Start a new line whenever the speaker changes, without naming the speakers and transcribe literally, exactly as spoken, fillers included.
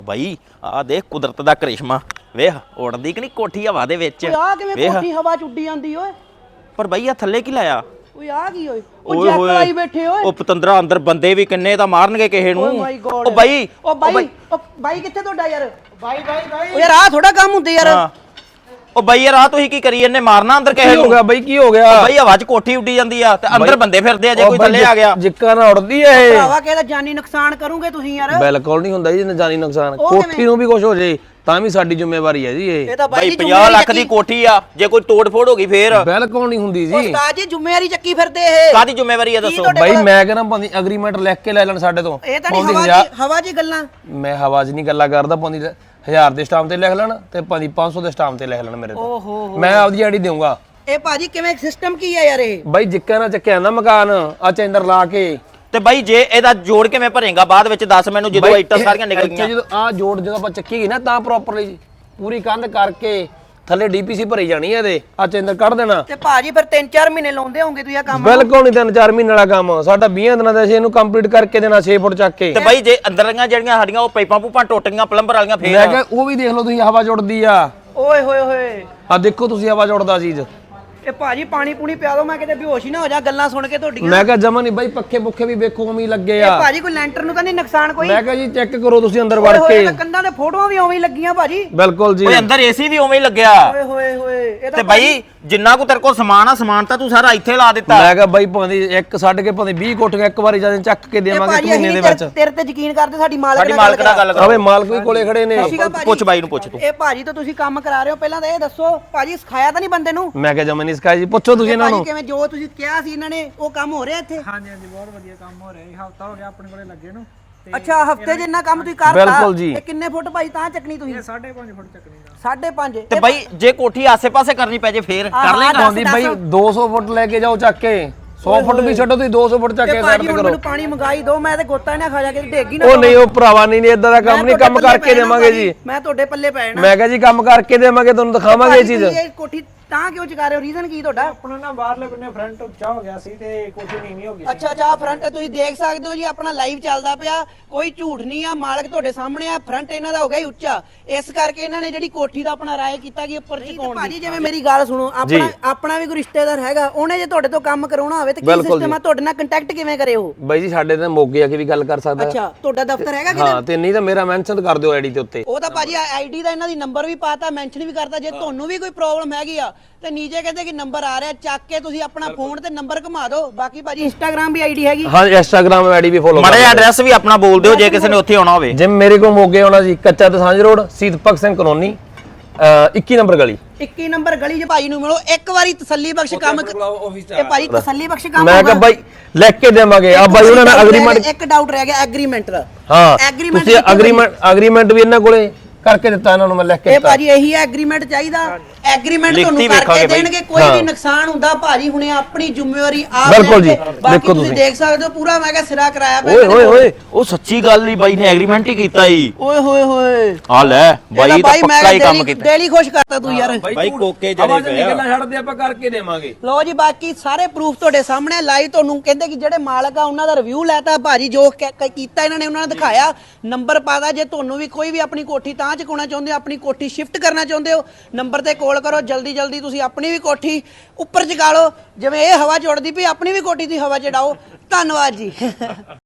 ਬਾਈ ਆ ਦੇਖ ਕੁਦਰਤ ਦਾ ਕਰਿਸ਼ਮਾ ਵੇਖ ਉੜਦੀ ਕਿ ਨਹੀਂ ਕੋਠੀ ਹਵਾ ਦੇ ਵਿੱਚ
ਆ ਕਿਵੇਂ ਕੋਠੀ ਹਵਾ ਚ ਉੱਡੀ ਜਾਂਦੀ ਓਏ।
ਪਰ ਬਾਈ ਆ ਥੱਲੇ ਕੀ ਲਾਇਆ
ਓਏ ਆ ਕੀ ਓਏ ਉਹ ਜੱਕ ਆਈ ਬੈਠੇ ਓਏ।
ਉਹ ਪਤੰਦਰਾ ਅੰਦਰ ਬੰਦੇ ਵੀ ਕਿੰਨੇ ਤਾਂ ਮਾਰਨਗੇ ਕਿਸੇ ਨੂੰ। ਉਹ ਬਾਈ
ਉਹ ਬਾਈ ਉਹ ਬਾਈ ਕਿੱਥੇ ਤੁਹਾਡਾ ਯਾਰ ਬਾਈ ਬਾਈ ਬਾਈ ਓ ਯਾਰ ਆ ਥੋੜਾ ਕੰਮ ਹੁੰਦੇ ਯਾਰ।
ਉਹ ਬਾਈ ਯਾਰ ਆ ਤੁਸੀਂ ਕੀ ਕਰੀ ਇਹਨੇ ਮਾਰਨਾ ਅੰਦਰ ਕਿਸੇ ਨੂੰ।
ਹੋ ਗਿਆ ਬਾਈ ਕੀ ਹੋ ਗਿਆ
ਬਾਈ ਹਵਾ ਚ ਕੋਠੀ ਉੱਡੀ ਜਾਂਦੀ ਆ ਤੇ ਅੰਦਰ ਬੰਦੇ ਫਿਰਦੇ ਆ ਜੇ ਕੋਈ ਥੱਲੇ ਆ ਗਿਆ
ਜਿੱਕਾ ਨਾ ਉੜਦੀ ਐ ਇਹ।
ਭਰਾਵਾ ਕਿਹਦਾ ਜਾਨੀ ਨੁਕਸਾਨ ਕਰੋਗੇ ਤੁਸੀਂ ਯਾਰ।
ਬਿਲਕੁਲ ਨਹੀਂ ਹੁੰਦਾ ਜੀ ਜਾਨੀ ਨੁਕਸਾਨ ਕੋਠੀ ਨੂੰ ਵੀ ਕੁਝ ਹੋ ਜੇ ਤਾਂ ਵੀ ਸਾਡੀ ਜ਼ਿੰਮੇਵਾਰੀ ਹੈ ਜੀ ਇਹ।
ਇਹ ਤਾਂ
ਬਾਈ ਪੰਜਾਹ ਲੱਖ ਦੀ ਕੋਠੀ ਆ ਜੇ ਕੋਈ ਤੋੜ ਫੋੜ ਹੋ ਗਈ ਫੇਰ
ਬਿਲਕੁਲ ਨਹੀਂ ਹੁੰਦੀ ਜੀ।
ਉਸਤਾਦ ਜੀ ਜ਼ਿੰਮੇਵਾਰੀ ਚੱਕੀ ਫਿਰਦੇ ਇਹ।
ਕਾਦੀ ਜ਼ਿੰਮੇਵਾਰੀ ਆ ਦੱਸੋ
ਬਾਈ ਮੈਂ ਕਹਿੰਦਾ ਭਾਂਦੀ ਐਗਰੀਮੈਂਟ ਲਿਖ ਕੇ ਲੈ ਲੈਣ ਸਾਡੇ ਤੋਂ।
ਇਹ ਤਾਂ ਨਹੀਂ ਹਵਾ ਜੀ ਹਵਾ ਜੀ ਗੱਲਾਂ।
ਮੈਂ ਹਵਾ 'ਚ ਨਹੀਂ ਗੱਲਾਂ ਕਰਦਾ ਭਾਂਦੀ ਹਜ਼ਾਰ ਦੇ ਸਟਾਮ ਤੇ ਲਿਖ ਲੈਣ ਤੇ ਭਾਂਦੀ ਪੰਜ ਸੌ ਦੇ ਸਟਾਮ ਤੇ ਲਿਖ ਲੈਣ ਮੇਰੇ ਤੋਂ।
ਓਹੋ
ਮੈਂ ਆਪਦੀ ਆਈਡੀ ਦੇਵਾਂਗਾ।
ਇਹ ਭਾਜੀ ਕਿਵੇਂ ਸਿਸਟਮ ਕੀ ਹੈ ਯਾਰ ਇਹ।
ਬਾਈ ਜਿੱਕਾ ਨਾ ਚੱਕਿਆ ਨਾ ਮਕਾਨ ਆ ਚੈਂਦਰ ਲਾ ਕੇ
ਤੇ ਬਾਈ ਜੇ ਇਹਦਾ ਜੋੜ ਕਿਵੇਂ ਭਰੇਗਾ ਬਾਅਦ ਵਿੱਚ ਦੱਸ ਮੈਨੂੰ ਜਦੋਂ ਇੱਟਾਂ ਸਾਰੀਆਂ ਨਿਕਲ ਗਈਆਂ।
ਜਦੋਂ ਆ ਜੋੜ ਜਦੋਂ ਆਪਾਂ ਚੱਕੀ ਗਈ ਨਾ ਤਾਂ ਪ੍ਰੋਪਰਲੀ ਪੂਰੀ ਕੰਧ ਕਰਕੇ ਥੱਲੇ ਡੀਪੀਸੀ ਭਰੀ ਜਾਣੀ ਹੈ ਇਹਦੇ ਆ ਚੈਂਦਰ ਕੱਢ ਦੇਣਾ।
ਤੇ ਭਾਜੀ ਫਿਰ ਤਿੰਨ ਚਾਰ ਮਹੀਨੇ ਲਾਉਂਦੇ ਹੋਵੋਗੇ ਤੁਸੀਂ ਇਹ ਕੰਮ।
ਬਿਲਕੁਲ ਨਹੀਂ ਤਿੰਨ ਚਾਰ ਮਹੀਨੇ ਵਾਲਾ ਕੰਮ ਸਾਡਾ ਵੀਹ ਦਿਨਾਂ ਦਾ ਅਸੀਂ ਇਹਨੂੰ ਕੰਪਲੀਟ ਕਰਕੇ ਦੇਣਾ ਛੇ ਫੁੱਟ ਚੱਕ ਕੇ।
ਤੇ ਬਾਈ ਜੇ ਅੰਦਰਲੀਆਂ ਜਿਹੜੀਆਂ ਸਾਡੀਆਂ ਉਹ ਪਾਈਪਾਂ ਪੂਪਾਂ ਟੁੱਟ ਗਈਆਂ ਪਲੰਬਰ ਵਾਲੀਆਂ ਫੇਰ
ਮੈਂ ਕਿਹਾ ਉਹ ਵੀ ਦੇਖ ਲਓ ਤੁਸੀਂ ਹਵਾ ਜੁੜਦੀ ਆ।
ਓਏ ਹੋਏ ਹੋਏ
ਆ ਦੇਖੋ ਤੁਸੀਂ ਹਵਾ ਜੁੜਦਾ ਚੀਜ਼।
ਇਹ ਭਾਜੀ ਪਾਣੀ ਪੂਣੀ ਪਿਆ ਦੋ ਮੈਂ ਕਿਤੇ ਬੇਹੋਸ਼ ਹੀ ਨਾ ਹੋ ਜਾ ਗੱਲਾਂ ਸੁਣ ਕੇ ਤੁਹਾਡੀਆਂ।
ਮੈਂ ਕਿਹਾ ਜਮਾ ਨਹੀਂ ਬਾਈ ਪੱਖੇ ਪੁੱਖੇ ਵੀ ਵੇਖੋ ਉਵੇਂ ਲੱਗੇ
ਇਹ
ਆ।
ਭਾਜੀ ਕੋਈ ਲੈਂਟਰ ਨੂੰ ਤਾਂ ਨਹੀਂ ਨੁਕਸਾਨ ਕੋਈ।
ਮੈਂ ਕਿਹਾ ਜੀ ਚੈੱਕ ਕਰੋ ਤੁਸੀਂ ਅੰਦਰ ਵੜ
ਓਏ
ਕੇ।
ਹੋਏ ਤਾਂ ਕੰਧਾਂ ਤੇ ਫੋਟੋਆਂ ਵੀ ਉਵੇਂ ਹੀ ਲੱਗੀਆਂ ਭਾਜੀ।
ਬਿਲਕੁਲ ਜੀ
ਓਏ ਅੰਦਰ ਏਸੀ ਵੀ ਉਵੇਂ ਹੀ ਲੱਗਿਆ।
ਓਏ ਹੋਏ ਹੋਏ ਇਹ
ਤੇ
ਤਾਂ
ਬਾਈ ਜਿੰਨਾ ਕੋ ਤੇਰੇ ਕੋਲ ਸਮਾਨ ਆ ਸਮਾਨ ਤਾਂ ਤੂੰ ਸਾਰਾ ਇੱਥੇ ਲਾ ਦਿੱਤਾ।
ਮੈਂ ਕਿਹਾ ਬਾਈ ਭਾਂਦੀ ਇੱਕ ਛੱਡ ਕੇ ਭਾਂਦੀ ਵੀਹ ਕੋਠੀਆਂ ਇੱਕ ਵਾਰੀ ਜਦੋਂ ਚੱਕ ਕੇ ਦੇਵਾਂਗੇ ਮਹੀਨੇ ਦੇ ਵਿੱਚ।
ਤੇਰੇ ਤੇ ਯਕੀਨ ਕਰਦੇ ਸਾਡੀ ਮਾਲਕ
ਸਾਡੀ ਮਾਲਕ ਨਾਲ ਗੱਲ ਕਰੋ।
ਆਵੇ ਮਾਲਕ ਵੀ ਕੋਲੇ ਖੜੇ ਨੇ।
ਪੁੱਛ ਬਾਈ ਨੂੰ ਪੁੱਛ ਤੂੰ।
ਇਹ ਭਾਜੀ ਤਾਂ ਤੁਸੀਂ ਕੰਮ ਕਰਾ ਰਹੇ ਹੋ ਪਹਿਲਾਂ ਤਾਂ ਇਹ ਦੱਸੋ ਭਾਜੀ ਸਿਖਾਇਆ ਤਾਂ ਨਹੀਂ ਬੰਦੇ ਨੂੰ।
ਮੈਂ ਕਿਹਾ ਜਮਾ ਨਹੀਂ ਸਿਖਾਇਆ ਜੀ ਪੁੱਛੋ ਤੁਸੀਂ ਇਹਨਾਂ ਨੂੰ।
ਕਿਵੇਂ ਜੋ ਤੁਸੀਂ ਕਿਹਾ ਸੀ ਇਹਨਾਂ ਨੇ ਉਹ ਕੰਮ ਹੋ ਰਿਹਾ ਇੱਥੇ।
ਹਾਂਜੀ ਹਾਂਜੀ ਬਹੁਤ ਵਧੀਆ ਕੰਮ ਹੋ ਰਿਹਾ ਜੀ। ਹਫਤਾ ਹੋ ਗਿਆ ਆਪਣੇ ਕੋਲੇ ਲੱਗੇ ਨੂੰ।
ਅੱਛਾ ਹਫਤੇ ਜਿੰਨਾ ਕੰਮ ਤੁਸੀਂ ਕਰਤਾ।
ਬਿਲਕੁਲ ਜੀ।
ਇਹ ਕਿੰਨੇ ਫੁੱਟ ਭਾਈ ਤਾਂ ਚੱਕਣੀ ਤੁਸੀਂ।
ਇਹ ਸਾਢੇ ਪੰਜ ਫੁੱਟ ਚੱਕਣੀ ਦਾ।
ਸਾਢੇ ਪੰਜ।
ਤੇ ਬਾਈ ਜੇ ਕੋਠੀ ਆਸੇ-ਪਾਸੇ ਕਰਨੀ ਪੈ ਜੇ ਫੇਰ ਕਰ ਲੇਗਾ।
ਭਾਂਦੀ ਬਾਈ ਦੋ ਸੌ ਫੁੱਟ ਲੈ ਕੇ ਜਾਓ ਚੱਕ ਕੇ। ਸੌ ਫੁੱਟ ਵੀ ਛੱਡੋ ਤੁਸੀਂ ਦੋ ਸੌ ਫੁੱਟ ਚੱਕ ਕੇ ਸਾਈਡ ਤੇ ਕਰੋ।
ਮੈਨੂੰ ਪਾਣੀ ਮੰਗਾਈ ਦੋ ਮੈਂ ਤੇ ਗੋਤਾ ਨਾ ਖਾ ਜਾ ਕੇ ਡੇਗੀ ਨਾ।
ਉਹ ਨਹੀਂ ਉਹ ਭਰਾਵਾ ਨਹੀਂ ਨਹੀਂ ਇਦਾਂ ਦਾ ਕੰਮ ਨਹੀਂ ਕੰਮ ਕਰਕੇ ਦੇਵਾਂਗੇ ਜੀ।
ਮੈਂ ਤੁਹਾਡੇ ਪੱਲੇ ਪੈ ਜਾਣਾ।
ਮੈਂ ਕਿਹਾ ਜੀ ਕੰਮ ਕਰਕੇ ਦੇਵਾਂਗੇ ਤੁਹਾਨੂੰ ਦਿਖਾਵਾਂਗੇ ਇਹ ਚੀਜ਼।
ਇਹ ਕੋਠੀ ਤਾਂ ਕਿਉਂ ਚਕਾ ਰਹੇ ਹੋ ਰੀਜ਼ਨ ਕੀ ਤੁਹਾਡਾ।
ਆਪਣਾ ਨਾ ਬਾਹਰਲੇ ਬੰਨੇ ਫਰੰਟ ਉੱਚਾ ਹੋ ਗਿਆ ਸੀ ਤੇ ਕੋਠੀ ਨੀਵੀਂ ਹੋ ਗਈ ਸੀ।
ਅੱਛਾ ਅੱਛਾ ਫਰੰਟ ਤੁਸੀਂ ਦੇਖ ਸਕਦੇ ਹੋ ਜੀ ਆਪਣਾ ਲਾਈਵ ਚੱਲਦਾ ਪਿਆ ਕੋਈ ਝੂਠ ਨਹੀਂ ਆ ਮਾਲਕ ਤੁਹਾਡੇ ਸਾਹਮਣੇ ਆ। ਫਰੰਟ ਇਹਨਾਂ ਦਾ ਹੋ ਗਿਆ ਹੀ ਉੱਚਾ ਇਸ ਕਰਕੇ ਇਹਨਾਂ ਨੇ ਜਿਹੜੀ ਕੋਠੀ ਦਾ ਆਪਣਾ ਰਾਏ ਕੀਤਾ ਕਿ ਉੱਪਰ ਚਕਾਉਣ ਦੀ। ਭਾਜੀ ਜਿਵੇਂ ਮੇਰੀ ਗੱਲ ਸੁਣੋ ਆਪਣਾ ਆਪਣਾ ਵੀ ਕੋਈ ਰਿਸ਼ਤੇਦਾਰ ਹੈਗਾ ਉਹਨੇ ਜੇ ਤੁਹਾਡੇ ਤੋਂ ਕੰਮ ਕਰਾਉਣਾ ਹੋਵੇ ਤੇ ਕੀ ਸਿਸਟਮ ਆ ਤੁਹਾਡੇ ਨਾਲ ਕੰਟੈਕਟ ਕਿਵੇਂ ਕਰੇ ਉਹ।
ਬਾਈ ਜੀ ਸਾਡੇ ਤਾਂ ਮੋਗੇ ਆ ਕੇ ਵੀ ਗੱਲ ਕਰ ਸਕਦਾ।
ਅੱਛਾ ਤੁਹਾਡਾ ਦਫ਼ਤਰ ਹੈਗਾ ਕਿਤੇ।
ਹਾਂ ਤੇ ਨਹੀਂ ਤਾਂ ਮੇਰਾ ਮੈਂਸ਼ਨ ਕਰ ਦਿਓ ਆਈਡੀ ਦੇ ਉੱਤੇ।
ਉਹ ਤਾਂ ਭਾਜੀ ਆਈਡੀ ਦਾ ਇਹਨਾਂ ਦੀ ਨੰਬਰ ਵੀ ਪਾਤਾ ਮੈਂਸ਼ਨ ਵੀ ਕਰਤਾ ਜੇ ਤੁਹਾਨੂੰ ਵੀ ਕੋਈ ਪ੍ਰੋਬਲਮ ਹੈਗੀ ਆ ਤੇ ਨੀਚੇ ਕਹਿੰਦੇ ਕਿ ਨੰਬਰ ਆ ਰਿਹਾ ਚੱਕ ਕੇ ਤੁਸੀਂ ਆਪਣਾ ਫੋਨ ਤੇ ਨੰਬਰ ਘੁਮਾ ਦਿਓ। ਬਾਕੀ ਭਾਜੀ ਇੰਸਟਾਗ੍ਰam ਵੀ ਆਈਡੀ ਹੈਗੀ।
ਹਾਂ ਇੰਸਟਾਗ੍ਰam ਆਈਡੀ ਵੀ ਫੋਲੋ
ਮਾੜਾ ਐਡਰੈਸ ਵੀ ਆਪਣਾ ਬੋਲ ਦਿਓ ਜੇ ਕਿਸੇ ਨੇ ਉੱਥੇ ਆਉਣਾ ਹੋਵੇ।
ਜਿਵੇਂ ਮੇਰੇ ਕੋਲ ਮੋਗੇ ਆਉਣਾ ਜੀ ਕੱਚਾ ਦਸਾਂਝ ਰੋਡ ਸ਼ਹੀਦ ਭਗਤ ਸਿੰਘ ਕਲੋਨੀ ਇੱਕੀ ਨੰਬਰ ਗਲੀ।
ਇੱਕੀ ਨੰਬਰ ਗਲੀ 'ਚ ਭਾਈ ਨੂੰ ਮਿਲੋ ਇੱਕ ਵਾਰੀ ਤਸੱਲੀ ਬਖਸ਼ ਕੰਮ ਇਹ ਭਾਈ ਤਸੱਲੀ ਬਖਸ਼ ਕੰਮ
ਮੈਂ ਕਿਹਾ ਬਾਈ ਲਿਖ ਕੇ ਦੇਵਾਂਗੇ ਆ ਬਾਈ ਉਹਨਾਂ ਨੇ ਐਗਰੀਮੈਂਟ।
ਇੱਕ ਡਾਊਟ ਰਹਿ ਗਿਆ ਐਗਰੀਮੈਂਟ ਦਾ।
ਹਾਂ
Agreement
ਤੁਸੀਂ ਐਗਰੀਮੈਂਟ ਐਗਰੀਮੈਂਟ ਵੀ ਇਹਨਾਂ ਕੋਲੇ ਕਰਕੇ ਦਿੱਤਾ ਇਹਨਾਂ ਨੂੰ ਮੈਂ ਲਿਖ ਕੇ
ਇਹ
ਦਿੱਤਾ।
ਭਾਜੀ ਇਹੀ ਐਗਰੀਮੈਂਟ ਚਾਹੀਦਾ। ਐਗਰੀਮੈਂਟ ਤੁਹਾਨੂੰ ਕਰਕੇ ਦੇਣਗੇ ਕੋਈ ਵੀ ਨੁਕਸਾਨ ਹੁੰਦਾ ਭਾਜੀ ਹੁਣੇ ਆਪਣੀ ਜ਼ਿੰਮੇਵਾਰੀ ਆਪ
ਬਿਲਕੁਲ ਜੀ
ਦੇਖੋ ਤੁਸੀਂ ਦੇਖ ਸਕਦੇ ਹੋ ਪੂਰਾ ਮੈਂ ਕਿਹਾ ਸਿਰਾ ਕਰਾਇਆ ਪਿਆ।
ਓਏ ਹੋਏ ਹੋਏ ਉਹ ਸੱਚੀ ਗੱਲ ਨਹੀਂ ਬਾਈ ਨੇ ਐਗਰੀਮੈਂਟ ਹੀ ਕੀਤਾ ਈ।
ਓਏ ਹੋਏ ਹੋਏ
ਆ ਲੈ ਬਾਈ ਤਾਂ ਪੱਕਾ ਹੀ ਕੰਮ ਕੀਤਾ।
ਡੇਲੀ ਖੁਸ਼ ਕਰਤਾ ਤੂੰ ਯਾਰ।
ਬਾਈ ਕੋਕੇ ਜੜੇ ਪਿਆ
ਗੱਲਾਂ ਛੱਡਦੇ ਆਪਾਂ ਕਰਕੇ ਦੇਵਾਂਗੇ।
ਲੋ ਜੀ ਬਾਕੀ ਸਾਰੇ ਪ੍ਰੂਫ ਤੁਹਾਡੇ ਸਾਹਮਣੇ ਲਾਈਵ ਤੁਹਾਨੂੰ ਕਹਿੰਦੇ ਕਿ ਜਿਹੜੇ ਮਾਲਕ ਆ ਉਹਨਾਂ ਦਾ ਰਿਵਿਊ ਲੈਤਾ ਭਾਜੀ ਜੋ ਕੀਤਾ ਇਹਨਾਂ ਨੇ ਉਹਨਾਂ ਨੇ ਦਿਖਾਇਆ ਨੰਬਰ ਪਾਦਾ। ਜੇ ਤੁਹਾਨੂੰ ਵੀ ਕੋਈ ਵੀ ਆਪਣੀ ਕੋਠੀ ਤਾਂ ਚਕਾਉਣਾ ਚਾਹੁੰਦੇ ਹੋ ਆਪਣੀ ਕੋਠੀ ਸ਼ਿਫਟ ਕਰਨਾ ਚਾਹੁੰਦੇ ਹੋ ਨੰਬਰ ਤੇ ਕਾਲ ਕਰੋ ਜਲਦੀ ਜਲਦੀ ਤੁਸੀਂ ਆਪਣੀ ਵੀ ਕੋਠੀ ਉੱਪਰ ਚਕਾ ਲਓ ਜਿਵੇਂ ਇਹ ਹਵਾ ਚੁੜਦੀ ਪਈ ਆਪਣੀ ਵੀ ਕੋਠੀ ਦੀ ਹਵਾ ਚੜਾਓ। ਧੰਨਵਾਦ ਜੀ।